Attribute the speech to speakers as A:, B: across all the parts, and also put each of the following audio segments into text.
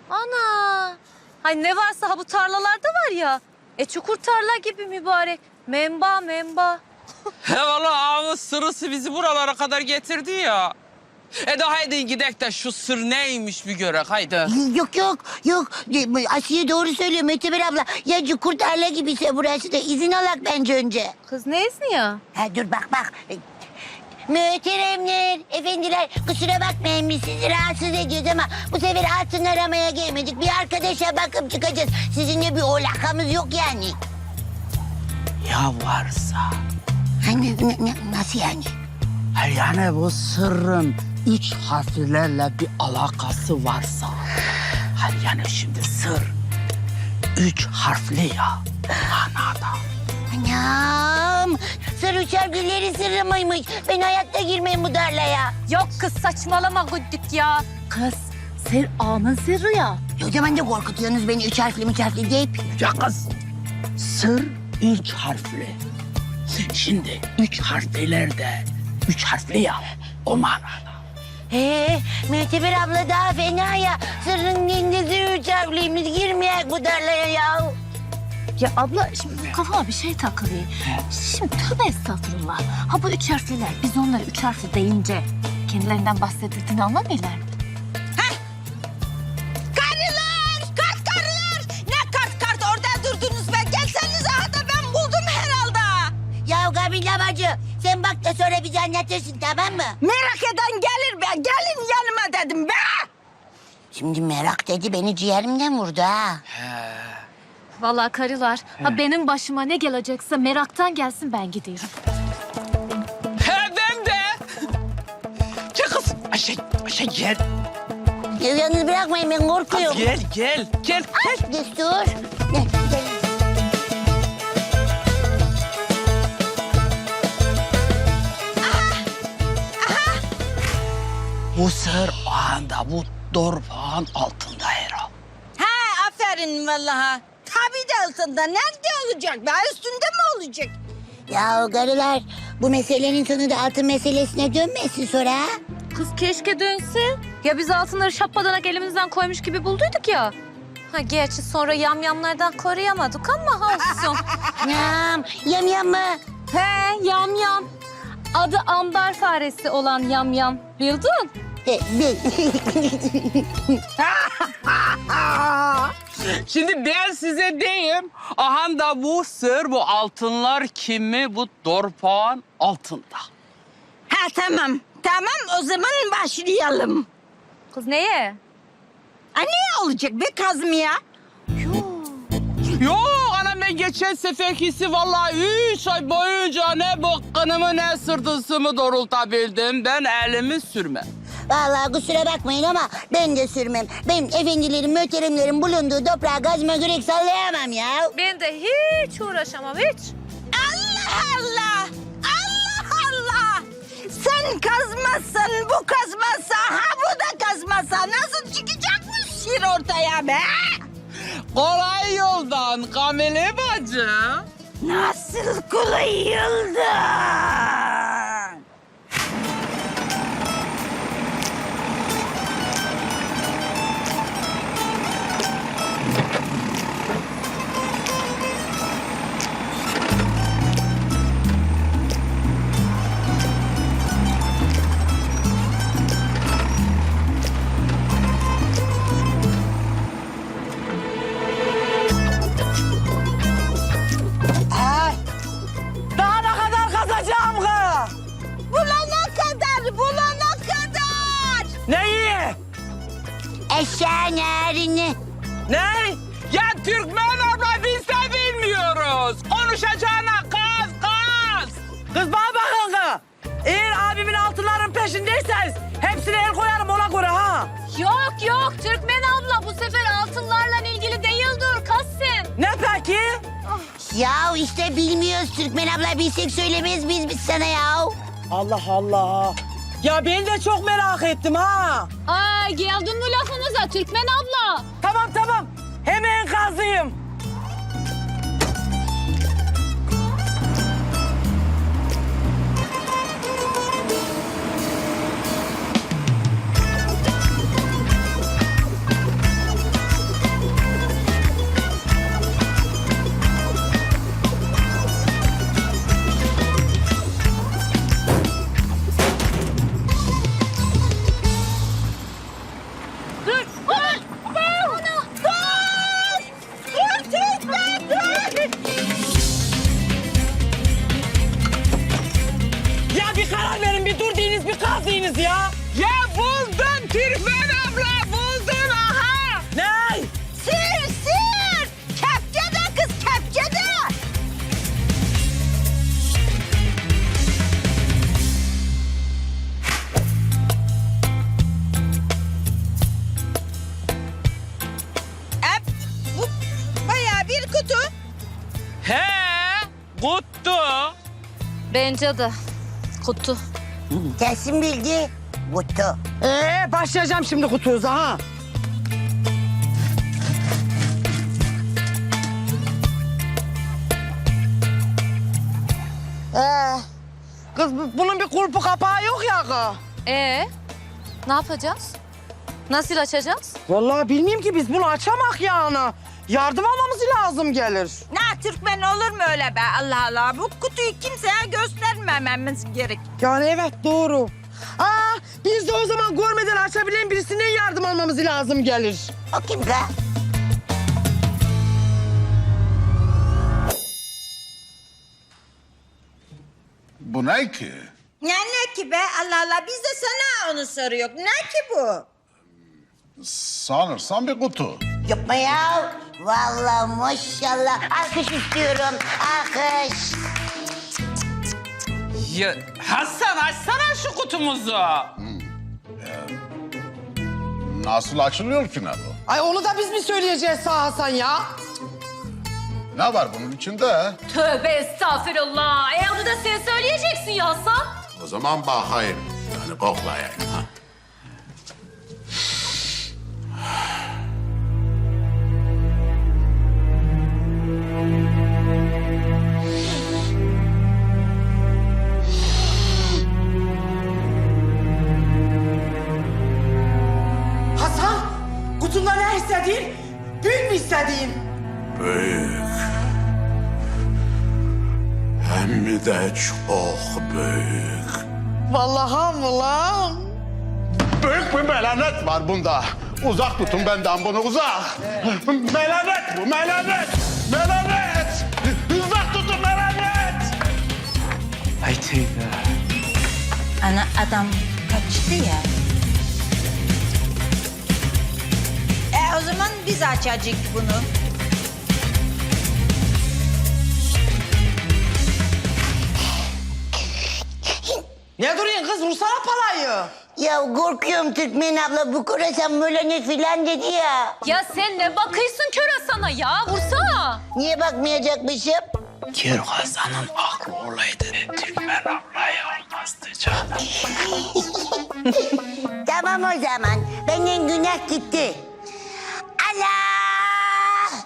A: Ana! Hay ne varsa ha bu tarlalarda var ya. Çukur tarla gibi mübarek. Memba.
B: He valla ağamız sırrısı bizi buralara kadar getirdi ya. De haydi gidek de şu sır neymiş bir görek haydi.
C: Yok. Asiye doğru söylüyor Möteber abla. Ya cukur tarla gibiyse burası da izin alak bence önce.
A: Kız ne izni ya?
C: Ha, dur bak. Mühteremler, efendiler kusura bakmayın biz sizi rahatsız ediyoruz ama bu sefer altın aramaya gelmedik. Bir arkadaşa bakıp çıkacağız. Sizinle bir alakamız yok yani.
D: Ya varsa.
C: Nasıl yani?
D: Yani bu sırrın 3 harflerle bir alakası varsa. Yani şimdi sır 3 harfli ya manada.
C: Anam, sır uçar gülleri sırrı mıymış? Ben hayatta girmeyeyim bu darlaya.
A: Yok kız saçmalama güddük ya. Kız sır ağanın sırrı ya.
C: O zaman da korkutuyorsunuz beni üç harfli deyip.
D: Ya kız sır 3 harfli. Şimdi 3 harfliler de 3 harfli ya o manada.
C: Müteber abla daha fena ya. Sırrın kendisi üç harfliymiş. Girmeyek bu darlaya ya.
A: Ya abla şimdi kafama bir şey takılıyor. Şimdi tövbe estağfurullah. Ha bu 3 harfliler biz onları 3 harfli deyince kendilerinden bahsedildiğini anlamıyorlar mı?
E: Karılar! Ne kart orada durdunuz be? Gelsenize hadi ben buldum herhalde.
C: Ya Kabile bacı sen bak da sonra bize anlatırsın tamam mı?
E: Merak eden gelir be. Gelin yanıma dedim be.
C: Şimdi merak dedi beni ciğerimden vurdu ha.
A: Vallahi karılar, ha benim başıma ne gelecekse meraktan gelsin ben gidiyorum.
B: He ben de. Gel kız. Ayşe gel.
C: Ya yalnız bırakmayın ben korkuyorum.
B: Gel.
C: Destur. Gel.
D: Bu sır o anda bu dorpağın altında herhal.
E: Ha aferin vallahi. Tabii de altında. Nerede olacak be? Üstünde mi olacak?
C: Ya karılar bu meselenin sonu da altın meselesine dönmesin sonra ha.
A: Kız keşke dönse. Ya biz altınları şapadanak elimizden koymuş gibi bulduyduk ya. Ha gerçi sonra yamyamlardan koruyamadık ama ha olsun.
C: Yam mı?
A: He yamyam. Adı ambar faresi olan yamyam. Bildin?
C: Bil.
B: Şimdi ben size diyeyim. Aha da bu sır, bu altınlar kimi bu dorpağın altında.
E: Ha tamam. Tamam o zaman başlayalım.
A: Kız neye?
E: Ha ne olacak be Kazmiye?
B: Yok anam ben geçen seferkisi vallahi 3 ay boyunca ne bıkkınımı ne sırtısımı doğrultabildim. Ben elimi sürmem.
C: Vallahi kusura bakmayın ama ben de sürmem. Ben efendilerin, möteremlerin bulunduğu toprağa gazma gürek sallayamam ya.
A: Ben de hiç uğraşamam hiç.
E: Allah! Sen kazmazsan bu kazmazsa ha bu da kazmazsa nasıl çıkacak bu şiir ortaya be?
B: Kolay yoldan Kamile bacı.
E: Nasıl kolay yoldan?
D: Daha ne kadar kazacağım kız?
E: Bulana kadar.
D: Neyi?
C: Eşeğin erini.
B: Ne? Ya Türkmen abla biz de bilmiyoruz. Konuşacağına kaz.
D: Kız bana bakın kız. Eğer abimin altınların peşindeyseniz hepsine el koyarım ona göre ha.
A: Yok Türkmen abla bu sefer altınlarla ilgili değildir Kassim.
D: Ne peki?
C: Ya işte bilmiyoruz Türkmen abla bilsek söylemeyiz biz sana ya.
D: Allah Allah. Ya ben de çok merak ettim ha.
A: Ay geldin mi lafımıza Türkmen abla?
D: Tamam. Hemen kazıyım.
B: He, kutu.
A: Bence de. Kutu.
C: Kesin bildi. Kutu.
E: Başlayacağım şimdi kutuza ha. Kız bunun bir kulpu kapağı yok ya kız.
A: Ne yapacağız? Nasıl açacağız?
E: Vallahi bilmiyorum ki biz bunu açamak yani. Yardım almamız lazım gelir.
F: Ne Türkmen olur mu öyle be Allah Allah. Bu kutuyu kimseye göstermememiz gerek.
E: Yani evet doğru. Biz de o zaman görmeden açabilen birisinden yardım almamız lazım gelir.
C: O kim kız?
G: Bu ne ki?
F: Ne ki be Allah Allah. Biz de sana onu soruyoruz. Ne ki bu?
G: Sanırsam bir kutu.
C: Yapma ya. Vallahi maşallah. Alkış istiyorum. Alkış.
B: Ya Hasan açsana şu kutumuzu.
G: Nasıl açılıyor ki ne bu?
E: Ay onu da biz mi söyleyeceğiz sağ Hasan ya?
G: Ne var bunun içinde?
A: Tövbe estağfirullah. Onu da sen söyleyeceksin ya Hasan.
G: O zaman bakayım. Yani koklayayım. Ha.
E: Hasan, kutunda ne istediğin? Büyük mü istediğin?
G: Büyük. Hem de çok büyük.
E: Vallahi mı lan?
G: Büyük bir melanet var bunda. Uzak tutun benden bunu uzak. Melanet bu melanet. Melanet. Uzak tutun melanet.
B: Ay teyze.
F: Ana adam kaçtı ya. O zaman biz açacak bunu.
E: Ne duruyorsun kız? Vursana palayı.
C: Ya korkuyorum Türkmen abla. Bu korasan melanet filan dedi ya.
A: Ya sen ne bakıyorsun kör Hasan'a ya? Vursana.
C: Niye bakmayacakmışım?
D: Kör Hasan'ın aklı olaydı. Türkmen ablaya olmazdı canım.
C: Tamam o zaman. Benden günah gitti. Allah!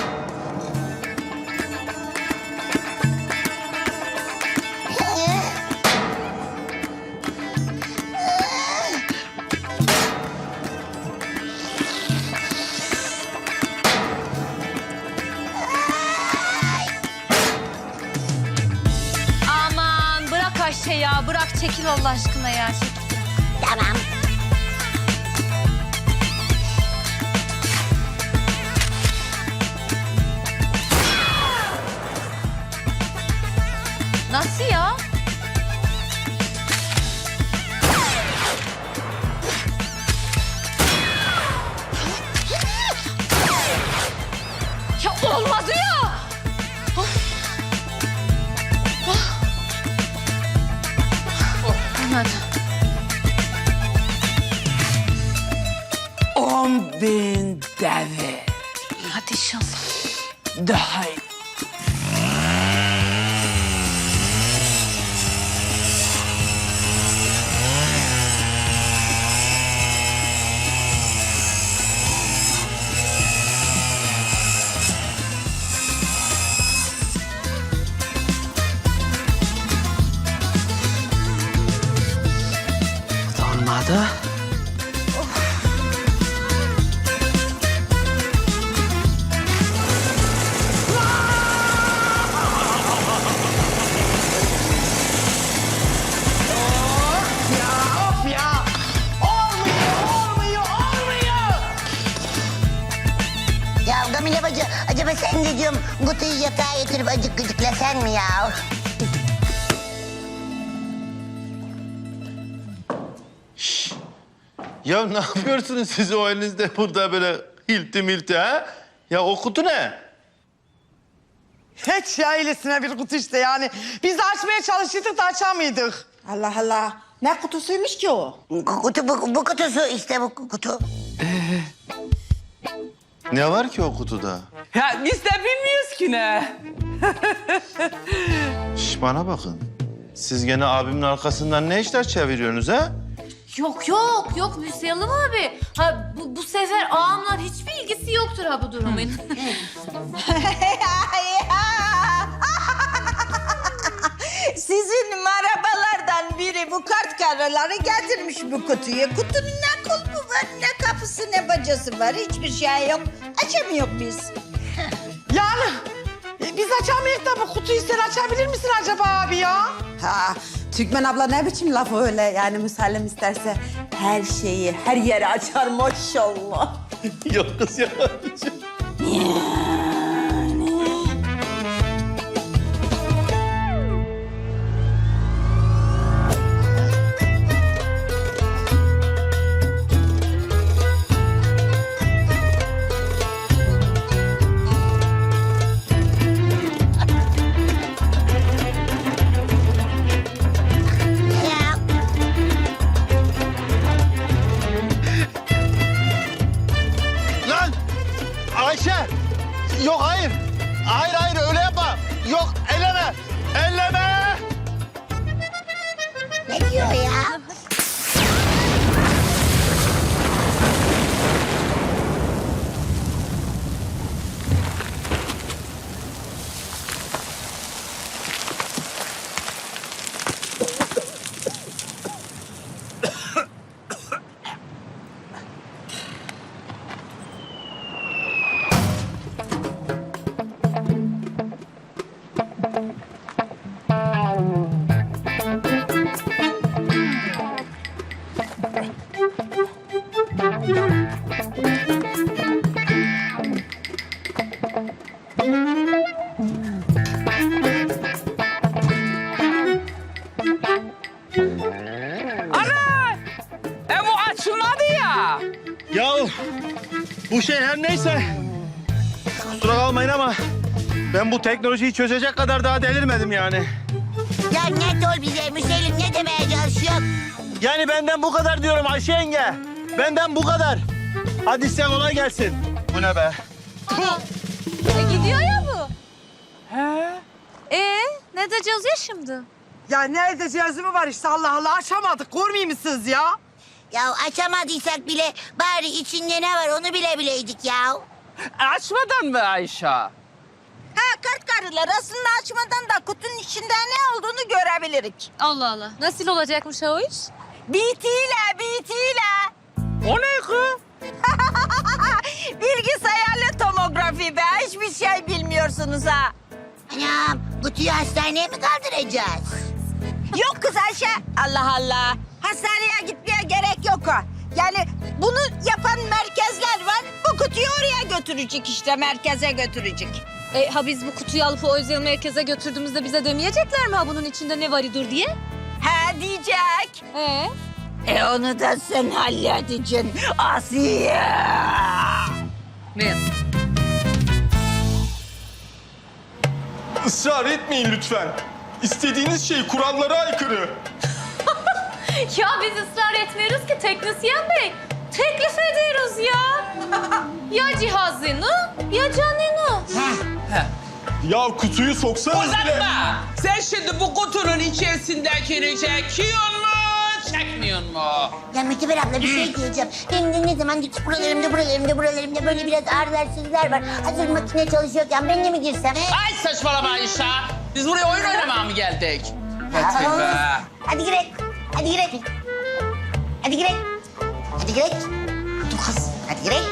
A: Aman bırak Ayşe ya. Bırak çekil Allah aşkına ya. Çekil.
C: Tamam.
A: Nasıl ya? Ya olmadı ya. Olmadı.
D: 10.000 deve.
A: Hadi inşallah.
D: Daha iyi. Olmadı.
E: Of ya. Olmuyor.
C: Ya Gamile bacı, acaba sen de diyorum kutuyu yatağa yatırıp acık gıcıklasan mı ya?
H: Ya ne yapıyorsunuz siz o elinizde burada böyle hilti milti ha? Ya o kutu ne?
E: Hiç ya öylesine bir kutu işte yani. Biz de açmaya çalışıyorduk da açamıyorduk. Allah Allah. Ne kutusuymuş ki o?
C: Kutu bu kutusu işte bu kutu.
H: Ne var ki o kutuda?
B: Ya biz de bilmiyoruz ki ne.
H: Şş, bana bakın. Siz gene abimin arkasından ne işler çeviriyorsunuz ha?
A: Yok Müslüman abi. Ha bu sefer ağamla hiçbir ilgisi yoktur ha bu durumun.
E: Sizin marabalardan biri bu kart karıları getirmiş bu kutuyu. Kutunun ne kulpu var, ne kapısı, ne bacası var. Hiçbir şey yok. Açamıyor biz.
I: Yani biz açamayız da bu kutuyu sen açabilir misin acaba abi ya?
J: Ha, Türkmen abla ne biçim laf öyle? Yani Müsellem isterse her şeyi, her yeri açar maşallah.
H: Yok kız ya.
C: Ya.
H: Lan! Ayşe! Yok hayır. Hayır öyle yapma. Yok elleme. Elleme!
C: Ne diyor ya?
B: Bu açılmadı ya.
H: Ya bu şey her neyse. Kusura kalmayın ama ben bu teknolojiyi çözecek kadar daha delirmedim yani.
C: Ya net ol bize Müselim, ne demeye çalışıyorsun?
H: Yani benden bu kadar diyorum Ayşe yenge. Benden bu kadar. Hadi size kolay gelsin. Bu ne be?
F: Gidiyor ya bu. Ne diyeceğiz ya şimdi?
I: Ya ne edeceğiz mi var işte Allah Allah açamadık. Görmüyor musunuz ya?
C: Ya açamadıysak bile bari içinde ne var onu bile bileydik ya.
B: Açmadan mı Ayşe?
E: Ha kart karılar aslında açmadan da kutunun içinde ne olduğunu görebilirik.
A: Allah Allah. Nasıl olacakmış o iş?
E: BT'yle.
B: O ne kız?
E: Bilgisayarlı tomografi be. Hiçbir şey bilmiyorsunuz ha.
C: Anam, kutuyu hastaneye mi kaldıracağız?
E: Yok kız Ayşe. Allah Allah. Hastaneye gitmeye gerek yok ha. Yani bunu yapan merkezler var. Bu kutuyu oraya götürecek işte. Merkeze götürecek.
A: Ha biz bu kutuyu alıp o özel merkeze götürdüğümüzde bize demeyecekler mi ha bunun içinde ne var idur diye?
E: Ha diyecek. Onu da sen halledeceksin Asiye.
A: Ne?
K: Israr etmeyin lütfen. İstediğiniz şey kurallara aykırı.
A: Ya biz ısrar etmiyoruz ki teknisyen bey. Teklif ediyoruz ya. Ya cihazını ya canını.
K: Ya kutuyu soksanız bile...
B: Uzatma! Sen şimdi bu kutunun içerisindekini çekiyor mu, çekmiyor mu?
C: Ya Müteber abla bir şey diyeceğim. Benim de ne zamandır ki buralarımda böyle biraz ağrılar sızılar var. Hazır makine çalışıyorken ben de mi girsem?
B: Ay saçmalama Ayşe. Biz buraya oyun oynamaya mı geldik? Hadi be.
C: Hadi girek. Hadi girek. Hadi girek. Hadi girek. Dur kız. Hadi girek.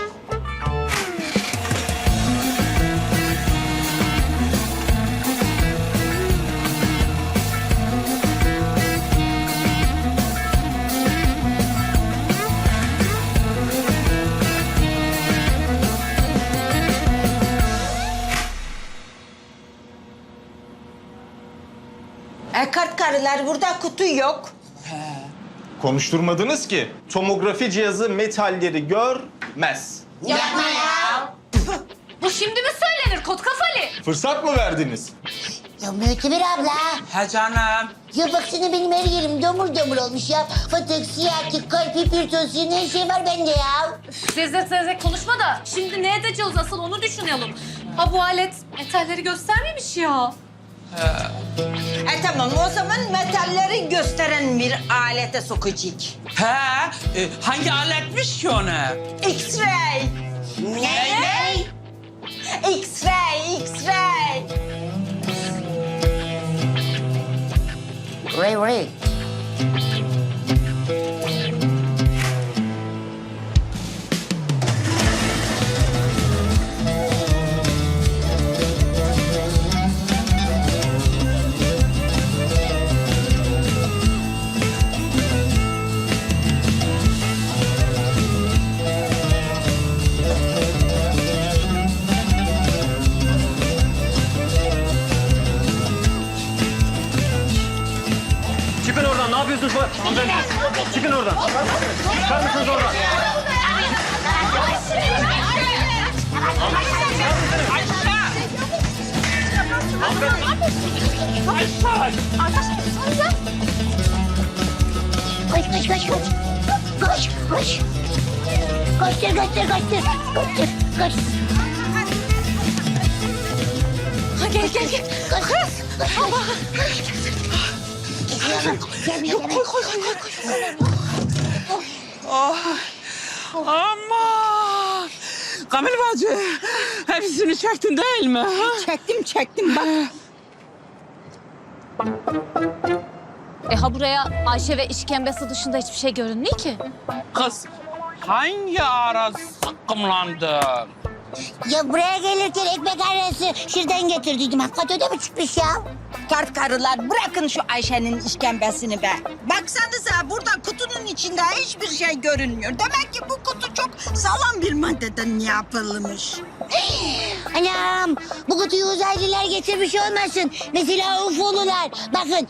E: Kart karılar burada kutu yok.
K: Konuşturmadınız ki. Tomografi cihazı metalleri görmez.
C: Yapma ya.
A: Bu şimdi mi söylenir kot kafalı?
K: Fırsat mı verdiniz?
C: Ya Möteber abla.
B: He canım.
C: Ya baksana benim her yerim domur domur olmuş ya. Fıtık, siyatik, kalp, hipertansiyon her şey var bende ya.
A: Zezek konuşma da şimdi ne edeceğiz asıl onu düşünelim. Ha bu alet metalleri göstermemiş ya.
E: Tamam o zaman metalleri gösteren bir alete sokacak.
B: He, hangi aletmiş ki onu?
E: X-ray.
C: Ne?
E: X-ray, X-ray.
C: Ray.
H: Çıkın oradan. Ne yapıyorsunuz? Hanımefendi. Çıkın oradan. Çıkar mısınız oradan?
C: Koş. Koş. Koş.
A: Ha gel.
C: Koş.
B: Aman! Kamil bacı, hepsini çektin değil mi? Ha?
E: Çektim bak.
A: Ha buraya Ayşe ve işkembesi dışında hiçbir şey görünmüyor ki.
B: Kız, hangi ara sakımlandın?
C: Ya buraya gelirken ekmek arası şuradan getirdiydim. Hakikaten öyle mi çıkmış ya?
E: Kart karılar bırakın şu Ayşe'nin işkembesini be. Baksanıza burada kutunun içinde hiçbir şey görünmüyor. Demek ki bu kutu çok sağlam bir maddeden yapılmış.
C: Anam bu kutuyu uzaylılar getirmiş olmasın. Mesela UFO'lular. Bakın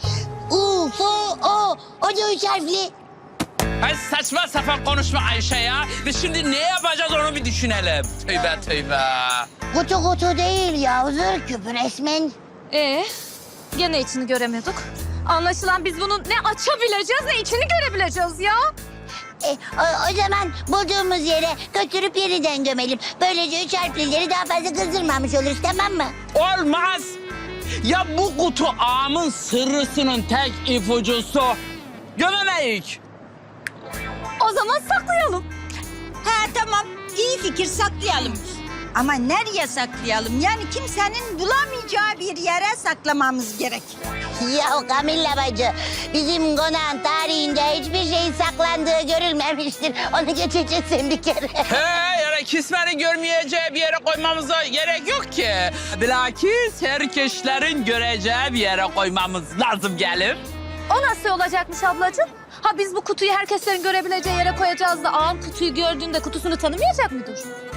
C: o da 3 harfli.
B: Ay saçma sapan konuşma Ayşe ya. Biz şimdi ne yapacağız onu bir düşünelim. Tövbe.
C: Kutu değil ya. Zır küpü resmen.
A: Gene içini göremiyorduk. Anlaşılan biz bunun ne açabileceğiz ne içini görebileceğiz ya.
C: O zaman bulduğumuz yere götürüp yeniden gömelim. Böylece 3 harflileri daha fazla kızdırmamış oluruz, tamam mı?
B: Olmaz. Ya bu kutu ağamın sırrısının tek ipucusu. Gömemeyik.
A: O zaman saklayalım.
E: Tamam iyi fikir saklayalım. Ama nereye saklayalım? Yani kimsenin bulamayacağı bir yere saklamamız gerek.
C: Ya Kamilla bacı, bizim konağın tarihinde hiçbir şeyin saklandığı görülmemiştir. Onu geçeceğiz sen bir kere.
B: Yani kismenin görmeyeceği bir yere koymamıza gerek yok ki. Bilakis herkeslerin göreceği bir yere koymamız lazım gelip.
A: O nasıl olacakmış ablacığım? Ha biz bu kutuyu herkeslerin görebileceği yere koyacağız da ağam kutuyu gördüğünde kutusunu tanımayacak mıdır?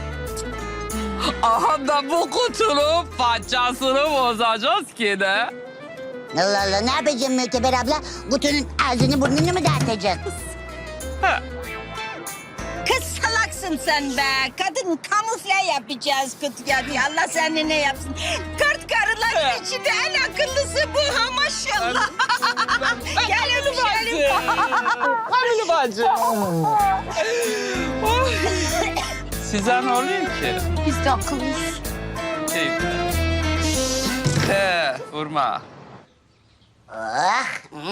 B: Aha da bu kutunun parçasını bozacağız ki de.
C: Allah ne yapacağım Möteber abla? Kutunun ağzını burnunu mu dağıtacak?
E: Kız salaksın sen be. Kadın kamufle yapacağız kutuya diye. Allah seni ne yapsın. Kart karıların içinde en akıllısı bu ha maşallah. Gel öpüşelim.
B: Kamil bacı. Size ne oluyor ki?
A: Biz de akıllıyız.
B: Vurma.
C: Oh.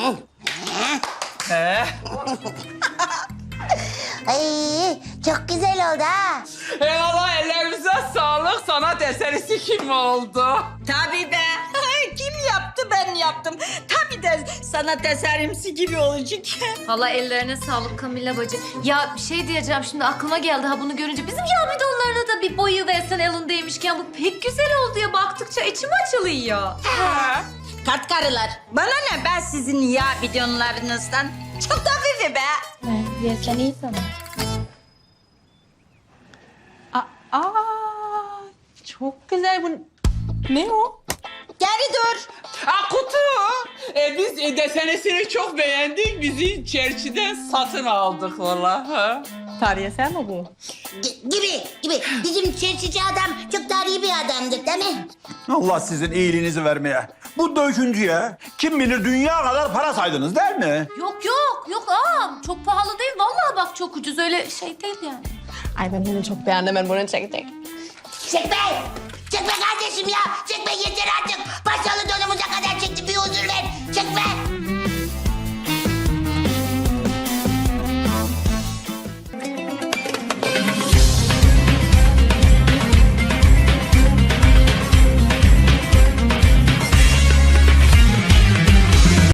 C: Ay, çok güzel oldu ha.
B: Eyvallah ellerimize sağlık. Sanat eserisi kim oldu?
E: Tabii be. Kim yaptı ben yaptım. Tabii de sanat eserimsi gibi olacak.
A: Valla ellerine sağlık Kamilla bacı. Ya bir şey diyeceğim şimdi aklıma geldi ha bunu görünce. Bizim yağ bidonlarına da bir boyu versen elindeymişken bu pek güzel oldu ya. Baktıkça içim açılıyor.
E: Kart karılar. Bana ne ben sizin yağ bidonlarınızdan. Çok da hafifi be.
A: Versen iyi sana.
I: Çok güzel bu. Ne o?
E: Geri dur.
B: Kutu. Biz desenesini çok beğendik. Bizi çerçiden satın aldık vallahi.
I: Tarihe mi bu?
C: Gibi. Bizim çerçici adam çok tarihi bir adamdır değil mi?
L: Allah sizin iyiliğinizi vermeye. Bu döküntüye kim bilir dünya kadar para saydınız değil mi?
A: Yok ağam. Çok pahalı değil. Vallahi bak çok ucuz öyle şey değil yani.
M: Ay ben bunu çok beğendim. Ben bunu çekecek.
C: Çekme! Çekme kardeşim ya! Çekme yeter artık! Paşalı donumuza kadar çekti bir huzur ver! Çekme!